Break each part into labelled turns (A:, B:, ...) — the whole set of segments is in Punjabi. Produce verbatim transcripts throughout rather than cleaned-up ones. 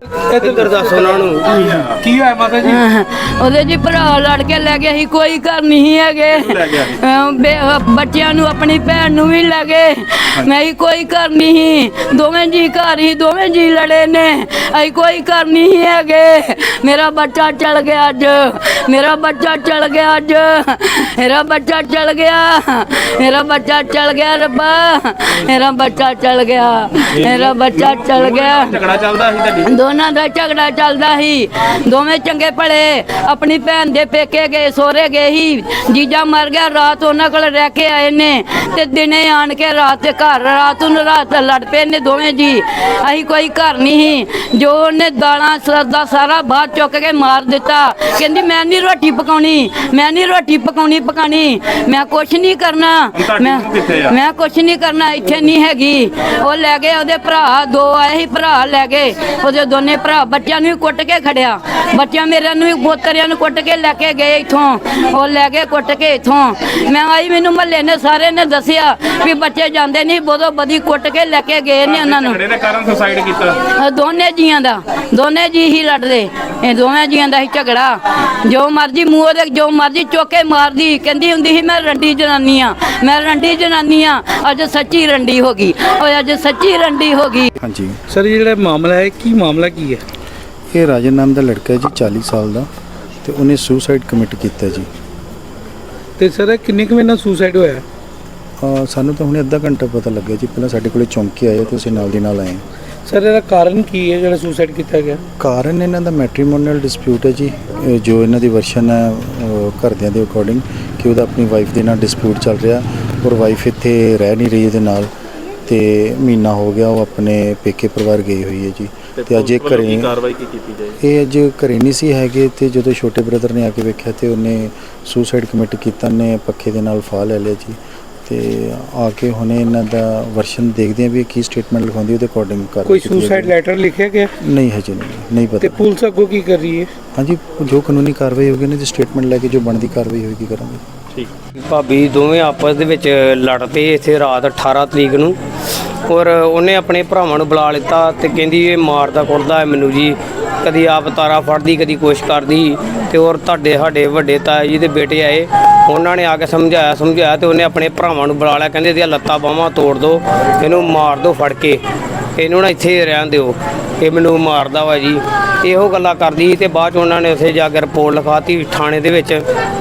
A: ਇੱਧਰ ਦੱਸ ਉਹਨਾਂ ਨੂੰ ਕੀ ਹੋਇਆ ਮਾਤਾ ਜੀ?
B: ਉਹਦੇ ਜੀ ਭਰਾ ਲੜ ਕੇ ਲੈ ਗਿਆ ਸੀ, ਕੋਈ ਘਰ ਨਹੀਂ ਹੈਗੇ। ਬੱਚਿਆਂ ਨੂੰ ਆਪਣੀ ਭੈਣ ਨੂੰ ਵੀ ਲੈ ਗਏ। ਨਹੀਂ ਕੋਈ ਘਰ ਨਹੀਂ, ਦੋਵੇਂ ਜੀ ਘਰ ਹੀ, ਦੋਵੇਂ ਜੀ ਲੜੇ ਨੇ। ਅਸੀਂ ਕੋਈ ਘਰ ਨਹੀਂ ਹੈਗੇ। ਮੇਰਾ ਬੱਚਾ ਚਲ ਗਿਆ ਅੱਜ, ਮੇਰਾ ਬੱਚਾ ਚਲ ਗਿਆ ਅੱਜ, ਮੇਰਾ ਬੱਚਾ ਚਲ ਗਿਆ, ਮੇਰਾ ਬੱਚਾ ਚਲ ਗਿਆ ਰੱਬਾ, ਮੇਰਾ ਬੱਚਾ ਚਲ ਗਿਆ, ਮੇਰਾ ਬੱਚਾ ਚਲ ਗਿਆ।
A: ਝਗੜਾ ਚੱਲਦਾ ਸੀ ਤੁਹਾਡੀ?
B: ਦੋਨਾਂ ਦਾ ਝਗੜਾ ਚੱਲਦਾ ਸੀ। ਦੋਵੇਂ ਚੰਗੇ ਭਲੇ ਆਪਣੀ ਭੈਣ ਦੇ ਪੇਕੇ ਗਏ, ਸੋਹਰੇ ਗਏ ਸੀ। ਜੀਜਾ ਮਰ ਗਿਆ, ਰਾਤ ਉਹਨਾਂ ਕੋਲ ਰਹਿ ਕੇ ਆਏ ਨੇ ਤੇ ਦਿਨੇ ਆਣ ਕੇ ਰਾਤ ਦੇ ਘਰ ਰਾਤ ਨੂੰ ਰਾਤ ਲੜ ਪਏ ਨੇ ਦੋਵੇਂ ਜੀ। ਅਸੀਂ ਕੋਈ ਘਰ ਨਹੀਂ ਸੀ। ਜੋ ਉਹਨੇ ਦਾਲਾਂ ਸਰਦਾ ਸਾਰਾ ਬਾਹਰ ਚੁੱਕ ਕੇ ਮਾਰ ਦਿੱਤਾ। ਕਹਿੰਦੀ ਮੈਂ ਨਹੀਂ ਰੋਟੀ ਪਕਾਉਣੀ, ਮੈਂ ਨਹੀਂ ਰੋਟੀ ਪਕਾਉਣੀ ਪਕਾਣੀ, ਮੈਂ ਕੁਛ ਨਹੀਂ ਕਰਨਾ, ਮੈਂ ਮੈਂ ਕੁਛ ਨਹੀਂ ਕਰਨਾ, ਇੱਥੇ ਨਹੀਂ ਹੈਗੀ। ਉਹ ਲੈ ਗਏ, ਉਹਦੇ ਭਰਾ ਦੋ ਆਏ ਸੀ, ਭਰਾ ਲੈ ਗਏ ਉਹਦੇ ਦੋਨੇ ਭਰਾ। ਬੱਚਿਆਂ ਨੂੰ ਵੀ ਕੁੱਟ ਕੇ ਖੜਿਆ, ਬੱਚਿਆਂ ਮੇਰੇ ਨੂੰ ਵੀ ਪੋਤਰਿਆਂ ਨੂੰ ਕੁੱਟ ਕੇ ਲੈ ਕੇ ਗਏ ਇੱਥੋਂ। ਉਹ ਲੈ ਕੇ ਕੁੱਟ ਕੇ ਇੱਥੋਂ ਮੈਂ ਆਈ, ਮੈਨੂੰ ਮਹੱਲੇ ਨੇ ਸਾਰੇ ਨੇ ਦੱਸਿਆ ਵੀ ਬੱਚੇ ਜਾਂਦੇ ਨਹੀਂ, ਬੋਦੋ ਬਦੀ ਕੁੱਟ ਕੇ ਲੈ ਕੇ ਗਏ ਨੇ ਉਹਨਾਂ ਨੂੰ।
A: ਝਗੜੇ ਦੇ ਕਾਰਨ ਸੁਸਾਈਡ ਕੀਤਾ?
B: ਦੋਨੇ ਜੀਆਂ ਦਾ, ਦੋਨੇ ਜੀ ਹੀ ਲੜਦੇ, ਇਹ ਦੋਵੇਂ ਜੀਆਂ ਦਾ ਹੀ ਝਗੜਾ। ਜੋ ਮਰਜੀ ਮੂੰਹ ਦੇ ਜੋ ਮਰਜੀ ਚੋਕੇ ਮਾਰਦੀ, ਕਹਿੰਦੀ ਹੁੰਦੀ ਸੀ ਮੈਂ ਰੰਡੀ ਜਨਾਨੀ ਆ, ਮੈਂ ਰੰਡੀ ਜਨਾਨੀ ਆ। ਅੱਜ ਸੱਚੀ ਰੰਡੀ ਹੋ ਗਈ, ਉਹ ਅੱਜ ਸੱਚੀ ਰੰਡੀ ਹੋ ਗਈ।
C: ਹਾਂਜੀ
A: ਸਰ, ਜਿਹੜਾ ਮਾਮਲਾ ਹੈ ਕੀ ਮਾਮਲਾ ਕੀ ਹੈ?
C: ਇਹ ਰਾਜਨ ਨਾਮ ਦਾ ਲੜਕਾ ਹੈ ਜੀ, ਚਾਲੀ ਸਾਲ ਦਾ, ਤੇ ਉਹਨੇ ਸੁਸਾਈਡ ਕਮਿਟ ਕੀਤਾ ਜੀ।
A: ਤੇ ਸਰ ਕਿੰਨੇ ਕੁ ਵਜੇ ਨਾਲ ਸੁਸਾਈਡ ਹੋਇਆ?
C: ਅਹ ਸਾਨੂੰ ਤਾਂ ਹੁਣੇ ਅੱਧਾ ਘੰਟਾ ਪਤਾ ਲੱਗਿਆ ਜੀ। ਪਹਿਲਾਂ ਸਾਡੇ ਕੋਲੇ ਚੌਂਕੀ ਆਏ ਤੇ ਅਸੀਂ ਨਾਲ ਦੀ ਨਾਲ ਆਏ।
A: ਸਰ ਇਹਦਾ ਕਾਰਨ ਕੀ ਹੈ ਜਿਹੜਾ ਸੁਸਾਈਡ ਕੀਤਾ ਗਿਆ?
C: ਕਾਰਨ ਇਹਨਾਂ ਦਾ ਮੈਟਰੀਮੋਨੀਅਲ ਡਿਸਪਿਊਟ ਹੈ ਜੀ। ਇਹ ਜੋ ਇਹਨਾਂ ਦੀ ਵਰਸ਼ਨ ਹੈ ਅਹ ਘਰਦਿਆਂ ਦੇ ਅਕੋਰਡਿੰਗ ਕਿ ਉਹਦਾ ਆਪਣੀ ਵਾਈਫ ਦੇ ਨਾਲ ਡਿਸਪਿਊਟ ਚੱਲ ਰਿਹਾ, ਔਰ ਵਾਈਫ ਇੱਥੇ ਰਹਿ ਨਹੀਂ ਰਹੀ ਇਹਦੇ ਨਾਲ, ਤੇ ਮਹੀਨਾ ਹੋ ਗਿਆ ਉਹ ਆਪਣੇ ਪੇਕੇ ਪਰਿਵਾਰ ਗਈ ਹੋਈ ਹੈ ਜੀ। ਤੇ ਅੱਜ ਇਹ ਘਰੇ
A: ਕਾਰਵਾਈ ਕੀ ਕੀਤੀ ਜਾਏ?
C: ਇਹ ਅੱਜ ਘਰੇ ਨਹੀਂ ਸੀ ਹੈਗੇ, ਤੇ ਜਦੋਂ ਛੋਟੇ ਬ੍ਰਦਰ ਨੇ ਆ ਕੇ ਵੇਖਿਆ ਤੇ ਉਹਨੇ ਸੁਸਾਈਡ ਕਮਿਟ ਕੀਤਾ, ਨੇ ਪੱਖੇ ਦੇ ਨਾਲ ਫਾਹ ਲੈ ਲਿਆ ਜੀ। ਤੇ ਆ ਕੇ ਹੁਣੇ ਇਹਨਾਂ ਦਾ ਵਰਸ਼ਨ ਦੇਖਦੇ ਆ ਵੀ ਕੀ ਸਟੇਟਮੈਂਟ ਲਿਖਾਉਂਦੀ, ਉਹਦੇ ਅਕੋਰਡਿੰਗ ਕਰ।
A: ਕੋਈ ਸੁਸਾਈਡ ਲੈਟਰ ਲਿਖਿਆ ਗਿਆ?
C: ਨਹੀਂ ਹਜੇ ਨਹੀਂ ਨਹੀਂ
A: ਤੇ
C: ਪਤਾ।
A: ਪੁਲਿਸ ਅੱਗੋਂ ਕੀ ਕਰ ਰਹੀ ਹੈ?
C: ਹਾਂਜੀ, ਜੋ ਕਾਨੂੰਨੀ ਕਾਰਵਾਈ ਹੋਗੀ ਨਾ ਜੀ, ਸਟੇਟਮੈਂਟ ਲੈ ਕੇ ਜੋ ਬਣਦੀ ਕਾਰਵਾਈ ਹੋਏਗੀ ਕਰਾਂਗੇ।
A: ਠੀਕ।
D: ਭਾਬੀ ਦੋਵੇਂ ਆਪਸ ਦੇ ਵਿੱਚ ਲੜ ਪਏ ਇੱਥੇ ਰਾਤ ਅਠਾਰਾਂ ਤਰੀਕ ਨੂੰ, ਔਰ ਉਹਨੇ ਆਪਣੇ ਭਰਾਵਾਂ ਨੂੰ ਬੁਲਾ ਲਿੱਤਾ ਤੇ ਕਹਿੰਦੀ ਇਹ ਮਾਰਦਾ ਕੁੱਟਦਾ ਹੈ ਮੈਨੂੰ ਜੀ, ਕਦੀ ਆਪ ਤਾਰਾ ਫੜਦੀ, ਕਦੀ ਕੁਛ ਕਰਦੀ। ਤੇ ਔਰ ਤੁਹਾਡੇ ਸਾਡੇ ਵੱਡੇ ਤਾਏ ਜੀ ਦੇ ਬੇਟੇ ਆਏ, ਉਹਨਾਂ ਨੇ ਆ ਕੇ ਸਮਝਾਇਆ ਸਮਝਾਇਆ ਤੇ ਉਹਨੇ ਆਪਣੇ ਭਰਾਵਾਂ ਨੂੰ ਬੁਲਾ ਲਿਆ। ਕਹਿੰਦੇ ਇਹਦੀਆਂ ਲੱਤਾਂ ਬਾਹਾਂ ਤੋੜ ਦਿਓ, ਇਹਨੂੰ ਮਾਰ ਦਿਓ ਫੜ ਕੇ, ਇਹਨੂੰ ਨਾ ਇੱਥੇ ਰਹਿਣ ਦਿਓ, ਇਹ ਮੈਨੂੰ ਮਾਰਦਾ ਵਾ ਜੀ। ਇਹੋ ਗੱਲਾਂ ਕਰਦੀ ਤੇ ਬਾਅਦ 'ਚ ਉਹਨਾਂ ਨੇ ਉੱਥੇ ਜਾ ਕੇ ਰਿਪੋਰਟ ਲਿਖਾਤੀ ਥਾਣੇ ਦੇ ਵਿੱਚ।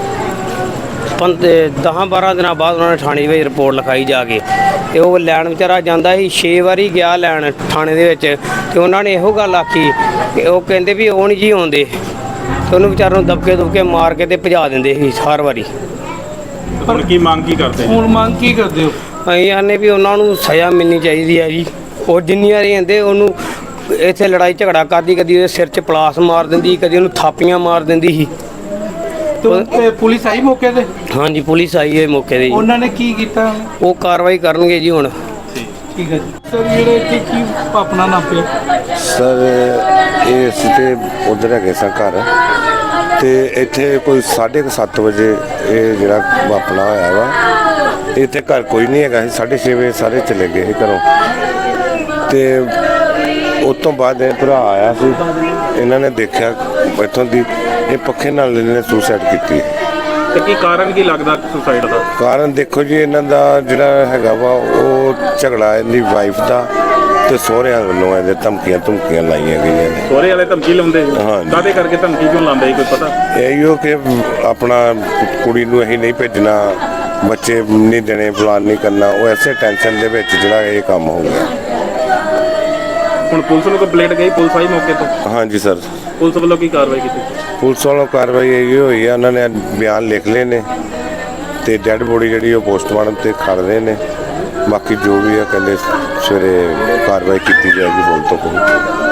D: ਦਸਾਂ ਬਾਰਾਂ ਦਿਨਾਂ ਬਾਅਦ ਉਹਨਾਂ ਨੇ ਥਾਣੇ ਵਿੱਚ ਰਿਪੋਰਟ ਲਿਖਾਈ ਜਾ ਕੇ, ਤੇ ਉਹ ਲੈਣ ਵਿਚਾਰਾ ਜਾਂਦਾ ਸੀ, ਛੇ ਵਾਰੀ ਗਿਆ ਲੈਣ ਥਾਣੇ ਦੇ ਵਿੱਚ। ਤੇ ਉਹਨਾਂ ਨੇ ਇਹੋ ਗੱਲ ਆਖੀ ਕਿ ਉਹ ਕਹਿੰਦੇ ਵੀ ਉਹ ਨਹੀਂ ਜੀ ਆਉਂਦੇ, ਤੇ ਉਹਨੂੰ ਵਿਚਾਰੇ ਨੂੰ ਦਬਕੇ ਦੁਬਕੇ ਮਾਰ ਕੇ ਤੇ ਭਜਾ ਦਿੰਦੇ ਸੀ ਹਰ ਵਾਰੀ।
A: ਹੁਣ ਕੀ ਮੰਗ ਕੀ ਕਰਦੇ? ਹੁਣ ਮੰਗ ਕੀ ਕਰਦੇ ਹੋ?
D: ਅਸੀਂ ਆਨੇ ਵੀ ਉਹਨਾਂ ਨੂੰ ਸਜ਼ਾ ਮਿਲਣੀ ਚਾਹੀਦੀ ਹੈ ਜੀ। ਉਹ ਜਿੰਨੀ ਵਾਰੀ ਕਹਿੰਦੇ ਉਹਨੂੰ ਇੱਥੇ ਲੜਾਈ ਝਗੜਾ ਕਰਦੀ, ਕਦੀ ਉਹਦੇ ਸਿਰ 'ਚ ਪਲਾਸ ਮਾਰ ਦਿੰਦੀ, ਕਦੀ ਉਹਨੂੰ ਥਾਪੀਆਂ ਮਾਰ ਦਿੰਦੀ ਸੀ।
A: ਤੇ ਪੁਲਿਸ ਆਈ ਮੌਕੇ ਤੇ?
D: ਹਾਂਜੀ, ਪੁਲਿਸ ਆਈ ਹੈ ਮੌਕੇ ਤੇ ਜੀ।
A: ਉਹਨਾਂ ਨੇ ਕੀ ਕੀਤਾ?
D: ਉਹ ਕਾਰਵਾਈ ਕਰਨਗੇ ਜੀ ਹੁਣ।
A: ਠੀਕ ਹੈ ਜੀ। ਸਰ ਜਿਹੜੇ ਇੱਥੇ ਕੀ ਆਪਣਾ ਨਾਮ ਪਿਆ?
E: ਸਰ ਇਹ ਅਸੀਂ ਤੇ ਉੱਧਰ ਹੈਗੇ ਸਾਂ ਘਰ, ਤੇ ਇੱਥੇ ਕੋਈ ਸਾਢੇ ਕੁ ਸੱਤ ਵਜੇ ਇਹ ਜਿਹੜਾ ਵਾਪਣਾ ਹੋਇਆ ਵਾ। ਇੱਥੇ ਘਰ ਕੋਈ ਨਹੀਂ ਹੈਗਾ ਸੀ। ਸਾਢੇ ਛੇ ਵਜੇ ਸਾਰੇ ਚਲੇ ਗਏ ਸੀ ਘਰੋਂ, ਤੇ ਉਸ ਤੋਂ ਬਾਅਦ ਇਹ ਭਰਾ ਆਇਆ ਸੀ, ਇਹਨਾਂ ਨੇ ਦੇਖਿਆ ਇੱਥੋਂ ਦੀ ਇਹ ਪੱਖੇ ਨਾਲ ਇਹਨੇ ਸੁਸਾਈਡ ਕੀਤੀ।
A: ਤੇ ਕੀ ਕਾਰਨ ਕੀ ਲੱਗਦਾ ਸੁਸਾਈਡ ਦਾ?
E: ਕਾਰਨ ਦੇਖੋ ਜੀ, ਇਹਨਾਂ ਦਾ ਜਿਹੜਾ ਹੈਗਾ ਵਾ ਉਹ ਝਗੜਾ ਇਹਦੀ ਵਾਈਫ ਦਾ ਤੇ ਸਹੁਰਿਆਂ ਵੱਲੋਂ ਇਹਦੇ ਧਮਕੀਆਂ ਧਮਕੀਆਂ ਲਾਈਆਂ ਗਈਆਂ ਨੇ।
A: ਸਹੁਰੇ ਵਾਲੇ ਧਮਕੀ ਲਾਉਂਦੇ?
E: ਹਾਂ।
A: ਕਾਹਦੇ ਕਰਕੇ ਧਮਕੀ ਕਿਉਂ ਲਾਉਂਦੇ ਜੀ, ਕੋਈ ਪਤਾ?
E: ਇਹੋ ਕਿ ਆਪਣਾ ਕੁੜੀ ਨੂੰ ਅਸੀਂ ਨਹੀਂ ਭੇਜਣਾ, ਬੱਚੇ ਨਹੀਂ ਦੇਣੇ, ਪਲਾਨ ਨਹੀਂ ਕਰਨਾ। ਉਹ ਐਸੇ ਟੈਨਸ਼ਨ ਦੇ ਵਿੱਚ ਜਿਹੜਾ ਇਹ ਕੰਮ ਹੋ ਗਿਆ।
A: ਹੁਣ ਪੁਲਿਸ ਨੂੰ ਕੰਪਲੇਂਟ ਗਈ, ਪੁਲਿਸ ਆਈ ਮੌਕੇ ਤੇ?
E: ਹਾਂਜੀ ਸਰ।
A: ਪੁਲਿਸ ਵੱਲੋਂ ਕੀ ਕਾਰਵਾਈ ਕੀਤੀ?
E: ਪੁਲਿਸ ਵੱਲੋਂ ਕਾਰਵਾਈ ਇਹ ਹੋਈ ਹੈ, ਉਹਨਾਂ ਨੇ ਬਿਆਨ ਲਿਖ ਲਏ ਨੇ, ਤੇ ਡੈੱਡ ਬੋਡੀ ਜਿਹੜੀ ਉਹ ਪੋਸਟਮਾਰਟਮ ਤੇ ਖੜ ਰਹੇ ਨੇ। ਬਾਕੀ ਜੋ ਵੀ ਹੈ ਕਹਿੰਦੇ ਸਵੇਰੇ ਕਾਰਵਾਈ ਕੀਤੀ ਜਾਏਗੀ, ਬੋਲ ਤੋਂ ਕੋਈ।